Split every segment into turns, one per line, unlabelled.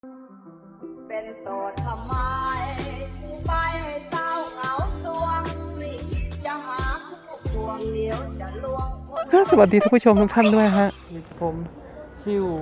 เป็นโสดทำไมถึงไปให้เศร้าเหงาสวงไม่คิดจะหาคู่ควงเดียวจะลวงคน
สวัสดีท่านผู้ชมทุกท่านด้วยฮะผมชิว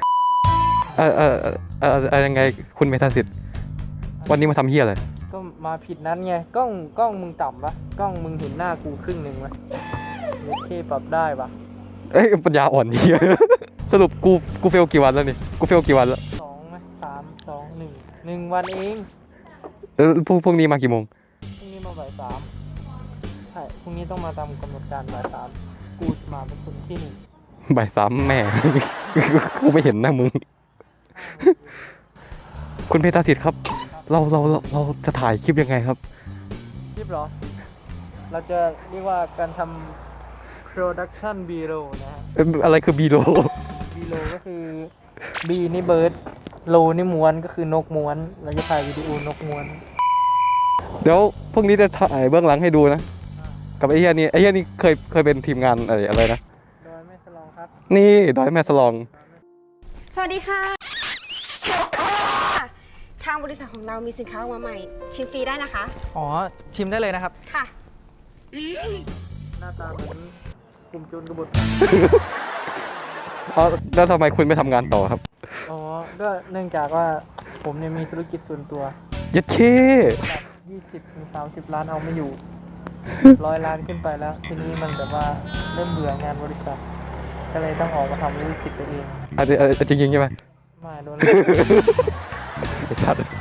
ยังไงคุณเมธาสิทธิ์วันนี้มาทำเฮียอะไรก็มาผิดนั้นไงกล้องมึงต่ำปะกล้องมึงเห็นหน้ากูครึ่งหนึ่งไหมโอเคปรับได้ปะเอ้ยปัญญาอ่อนเฮียสรุปกูเฟลกี่วันแล้วนี่กูเฟลกี่วันแล้ว2ไหม3 2 1วันเองพวกนี้มากี่โมงพรุ่งนี้มาบ่าย3ใช่พรุ่งนี้ต้องมาตามกำหนดการบ่าย3กูมาเป็นคนที่1บ่าย3แม่ กูไม่เห็นหน้ามึง คุณเพชรสิทธิ์ครับเราจะถ่ายคลิปยังไงครับคลิปเหรอเราจะเรียกว่าการทำ production B-roll นะฮะอะไรคือ B-roll B-roll ก็คือ B นี่เบิร์ด roll นี่ม้วนก็คือนกม้วนเราจะถ่ายวิดีโอนกม้วนเดี๋ยวพวกนี้จะถ่ายเบื้องหลังให้ดูนะกับไอ้เหี้ยนี่เคยเป็นทีมงานอะไรนะดอยแม่สลองครับนี่ดอยแม่สลอง
สวัสดีค่ะทางบริษัทของเรามีสินค้าออกมาใหม่ชิมฟรีได้นะคะ
อ๋อชิมได้เลยนะครับ
ค่ะ
หน้าตาเหมือนกลุ่มโจรกบฏอ๋อแล้วทำไมคุณไม่ทำงานต่อครับอ๋อก็เนื่องจากว่าผมเนี่ยมีธุรกิจส่วนตัวยัดเค20-30 ล้านเอาไม่อยู่100 ล้านขึ้นไปแล้วทีนี้มันแบบว่าเริ่มเบื่องานบริษัทก็เลยต้องออกมาทำธุรกิจตัวเองจริงใช่ไหมไม่โดนไอ้สัตว์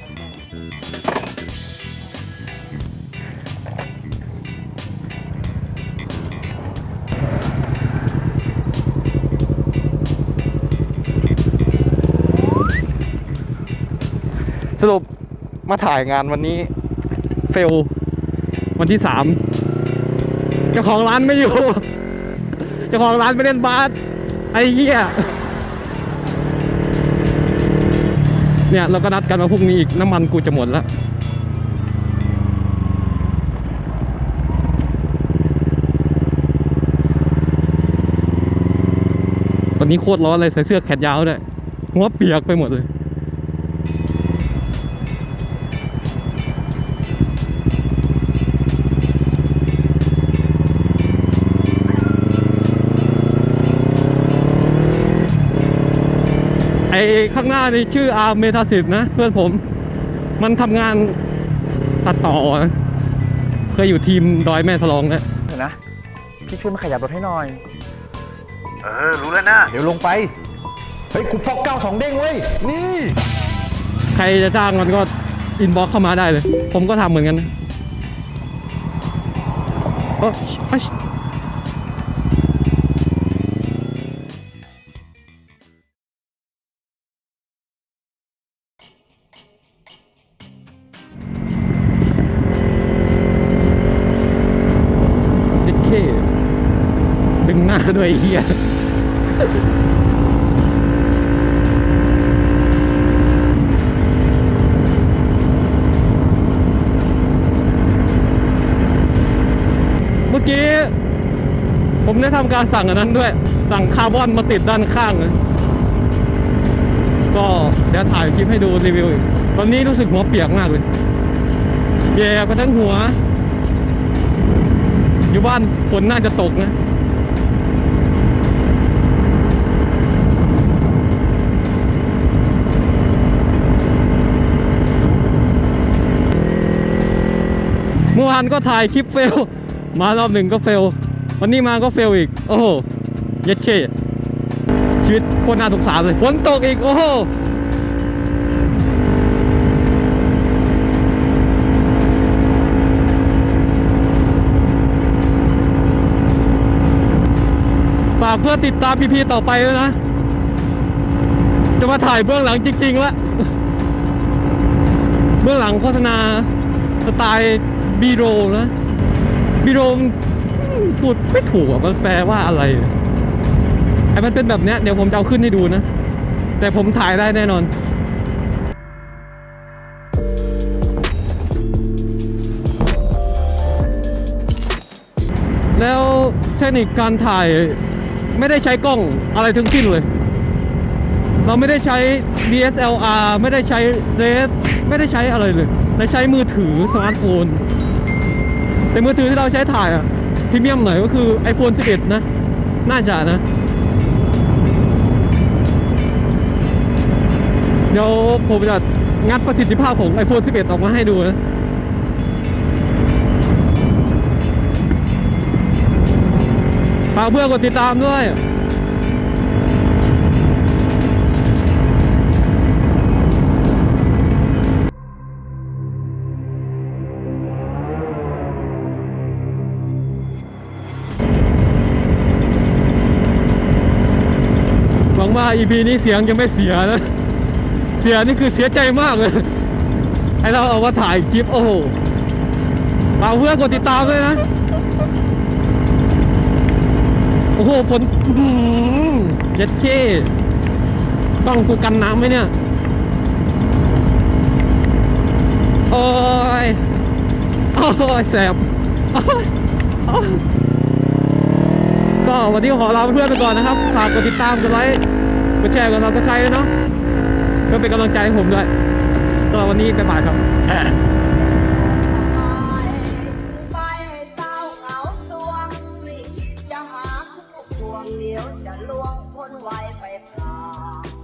สรุปมาถ่ายงานวันนี้เฟลวันที่3เจ้าของร้านไม่อยู่เจ้าของร้านไปเล่นบาสไอ้เหี้ยเนี่ยเราก็นัดกันมาพรุ่งนี้อีกน้ำมันกูจะหมดแล้วตอนนี้โคตรร้อนเลยใส่เสื้อแขนยาวด้วยหัวเปียกไปหมดเลยไอ้ข้างหน้านี่ชื่ออาร์เมธาสิทธิ์นะเพื่อนผมมันทำงานตัดต่อนะเคยอยู่ทีมดอยแม่สลองนะเห็นนะพี่ช่วยมาขยับรถให้หน่อย
รู้แล้วนะเดี๋ยวลงไปเฮ้ยกูพก92เด้งเว้ยนี่
ใครจะจ้างมันก็อินบ็อกเข้ามาได้เลยผมก็ทำเหมือนกันนะดึงหน้าด้วยเฮียเมื่อกี้ผมได้ทำการสั่งอันนั้นด้วยสั่งคาร์บอนมาติดด้านข้างนะก็เดี๋ยวถ่ายคลิปให้ดูรีวิวอีกตอนนี้รู้สึกหัวเปียกมากเลยแย่ไปทั้งหัวอยู่บ้านฝนน่าจะตกนะเมื่อวานก็ถ่ายคลิปเฟลมารอบหนึ่งก็เฟลวันนี้มาก็เฟลอีกโอ้โหเย็ดเช่ชีวิตโคตรน่าสงสารเลยฝนตกอีกโอ้โหฝากเพื่อติดตามพีต่อไปด้วยนะจะมาถ่ายเบื้องหลังจริงๆแล้วเบื้องหลังโฆษณาสไตล์บีโรนะบีโรพูดไม่ถูกอ่ะมันแปลว่าอะไรไอ้มันเป็นแบบเนี้ยเดี๋ยวผมจะเอาขึ้นให้ดูนะแต่ผมถ่ายได้แน่นอนแล้วเทคนิคการถ่ายไม่ได้ใช้กล้องอะไรทั้งสิ้นเลยเราไม่ได้ใช้ DSLR ไม่ได้ใช้เรสไม่ได้ใช้อะไรเลยเราใช้มือถือสมาร์ทโฟนแต่มือถือที่เราใช้ถ่ายอะพรีเมียมหน่อยก็คือ iPhone 11 นะ น่าจะนะ เดี๋ยวผมจะงัดประสิทธิภาพของ iPhone 11 ออกมาให้ดูนะฝากเพื่อนกดติดตามด้วยหวังว่า EP นี้เสียงยังไม่เสียนะ เสียนี่คือเสียใจมากเลยให้เราเอามาถ่ายคลิปโอ้โหฝากเพื่อนกดติดตามด้วยนะโอ้โหฝนเย็ดเข้ต้องกูกันน้ำไหมเนี่ยโอ้ยโอ้ยแสบโอ้ยโอ้ยก็วันนี้ขอลาเพื่อนไปก่อนนะครับฝากกดติดตามกดไลค์กดแชร์กด Subscribe ด้วยเนาะก็เป็นกำลังใจให้ผมด้วยก็วันนี้บ๊ายบายครับ
ไปให้เศร้าเหงาสวงไม่คิดจะหาคู่ควงเดียวจะลวงคนไว้ไปพลาง